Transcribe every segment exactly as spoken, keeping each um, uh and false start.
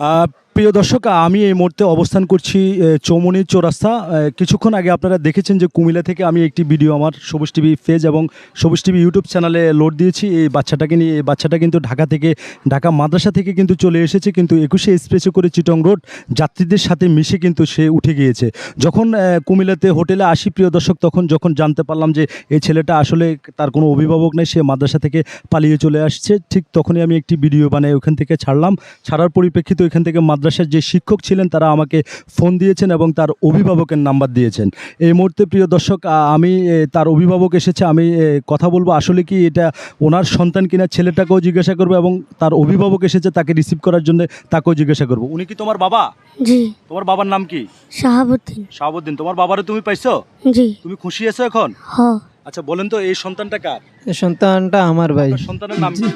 আহ, প্রিয় দর্শক, আমি এই মুহূর্তে অবস্থান করছি এ, চৌমুহনী চৌরাস্তা। এ, কিছুক্ষণ আগে আপনারা দেখেছেন যে কুমিল্লা থেকে আমি একটি ভিডিও আমার সবুজ টিভি পেজ এবং সবুজ টিভি ইউটিউব চ্যানেলে লোড দিয়েছি এই বাচ্চাটাকে নিয়ে। এই বাচ্চাটা কিন্তু ঢাকা থেকে ঢাকা মাদ্রাসা থেকে কিন্তু চলে এসেছে, কিন্তু একুশে এক্সপ্রেসে করে চিটং রোড যাত্রীদের সাথে মিশে কিন্তু সে উঠে গিয়েছে। যখন এ, কুমিল্লাতে হোটেলে আসি প্রিয় দর্শক, তখন যখন জানতে পারলাম যে এই ছেলেটা আসলে তার কোনো অভিভাবক নেই, সে মাদ্রাসা থেকে পালিয়ে চলে আসছে, ঠিক তখনই আমি একটি ভিডিও বানাই ওখান থেকে ছাড়লাম। ছাড়ার পরিপ্রেক্ষিতে ওইখান থেকে মাদ্রাসার যে শিক্ষক ছিলেন তারা আমাকে ফোন দিয়েছেন এবং তার অভিভাবকের নাম্বার দিয়েছেন। এই মুহূর্তে প্রিয় দর্শক, আ, আমি এ, তার অভিভাবক এসেছে, আমি এ, কথা বলবো আসলে কি এটা ওনার সন্তান কিনা, ছেলেটাকেও জিজ্ঞাসা করবো এবং তার অভিভাবক এসেছে তাকে রিসিভ করার জন্য, তাকেও জিজ্ঞাসা করবো। উনি কি তোমার বাবা? জি। তোমার বাবার নাম কি? শাহাবুদ্দিন। শাহাবুদ্দিন। তোমার বাবারে তুমি পাইছো? জি। তুমি খুশি আছো এখন? হ। আচ্ছা বলেন তো, এই সন্তানটা কার? এই সন্তানটা আমার ভাই। আপনার সন্তানের নাম কি?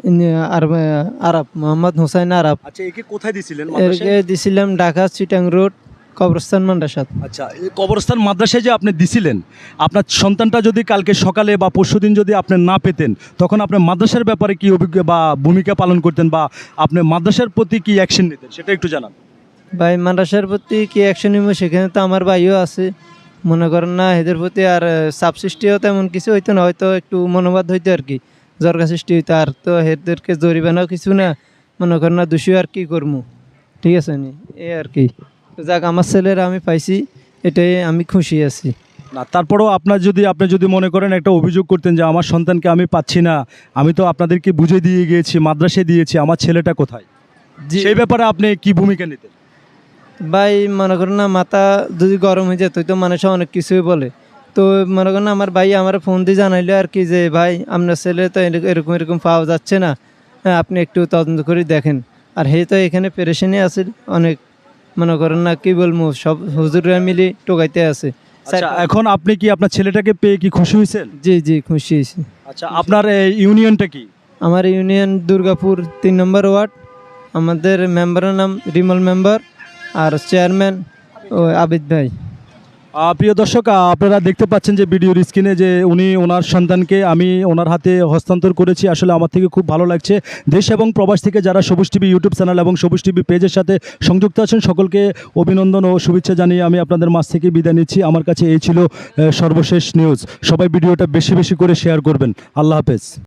আর আরব মোহাম্মদ হোসাইন আরব। আচ্ছা, একে কোথায় দিছিলেন? এরকে মাদ্রাসায়? দিছিলাম ঢাকা চিটাং রোড কবরস্থান মাদ্রাসা। আচ্ছা, এই কবরস্থান মাদ্রাসায় যে আপনি দিছিলেন, আপনার সন্তানটা যদি কালকে সকালে বা পরশুদিন যদি আপনি না পেতেন, তখন আপনি মাদ্রাসার ব্যাপারে কি অভিজ্ঞ বা ভূমিকা পালন করতেন, বা আপনি মাদ্রাসার প্রতি কি অ্যাকশন নিতেন সেটা একটু জানান। ভাই মাদ্রাসার প্রতি কি অ্যাকশন নিব, সেখানে তো আমার ভাইও আছে, মনে করেন না এদের প্রতি আর চাপ সৃষ্টিও তেমন কিছু হইতো না, হয়তো একটু মনোবাদ হইতো আর কি, জরকা সৃষ্টি হইতো। আর তো এদেরকে জরিমানাও কিছু না, মনে করেন না দোষী আর কি করবো, ঠিক আছে নি, এই আর কি। তো যাক, আমার ছেলেরা আমি পাইছি, এটাই আমি খুশি আছি। না, তারপরেও আপনার যদি আপনি যদি মনে করেন একটা অভিযোগ করতেন যে আমার সন্তানকে আমি পাচ্ছি না, আমি তো আপনাদেরকে বুঝে দিয়ে গিয়েছি, মাদ্রাসায় দিয়েছি, আমার ছেলেটা কোথায়, জি সেই ব্যাপারে আপনি কি ভূমিকা নিতেন? ভাই, মনে করেন না মাথা যদি গরম হয়ে যেত তো মানুষ অনেক কিছুই বলে। তো মনে করেন না আমার ভাই আমার ফোন দিয়ে জানাইলো আর কি যে ভাই আপনার ছেলে তো এরক- এরকম এরকম পাওয়া যাচ্ছে না, হ্যাঁ আপনি একটু তদন্ত করে দেখেন। আর হে তো এখানে পেরেশানি আছে অনেক, মনে করেন না কি বলবো, সব হুজুররা মিলে টোকাইতে আছে। আচ্ছা, এখন আপনি কি আপনার ছেলেটাকে পেয়ে কি খুশি হয়েছেন? জি জি খুশি হয়েছি। আচ্ছা, আপনার এই ইউনিয়নটা কি? আমার ইউনিয়ন দুর্গাপুর তিন নম্বর ওয়ার্ড, আমাদের মেম্বারের নাম রিমল মেম্বার, আর চেয়ারম্যান ও আবিদ ভাই। আহ, প্রিয় দর্শক, আহ, আপনারা দেখতে পাচ্ছেন যে ভিডিওর স্ক্রিনে যে উনি ওনার সন্তানকে আমি ওনার হাতে হস্তান্তর করেছি। আসলে আমার থেকে খুব ভালো লাগছে। দেশ এবং প্রবাস থেকে যারা সবুজ টিভি ইউটিউব চ্যানেল এবং সবুজ টিভি পেজের সাথে সংযুক্ত আছেন, সকলকে অভিনন্দন ও শুভেচ্ছা জানিয়ে আমি আপনাদের মাঝ থেকে বিদায় নিচ্ছি। আমার কাছে এই ছিল আহ, সর্বশেষ নিউজ। সবাই ভিডিওটা বেশি বেশি করে শেয়ার করবেন। আল্লাহ হাফেজ।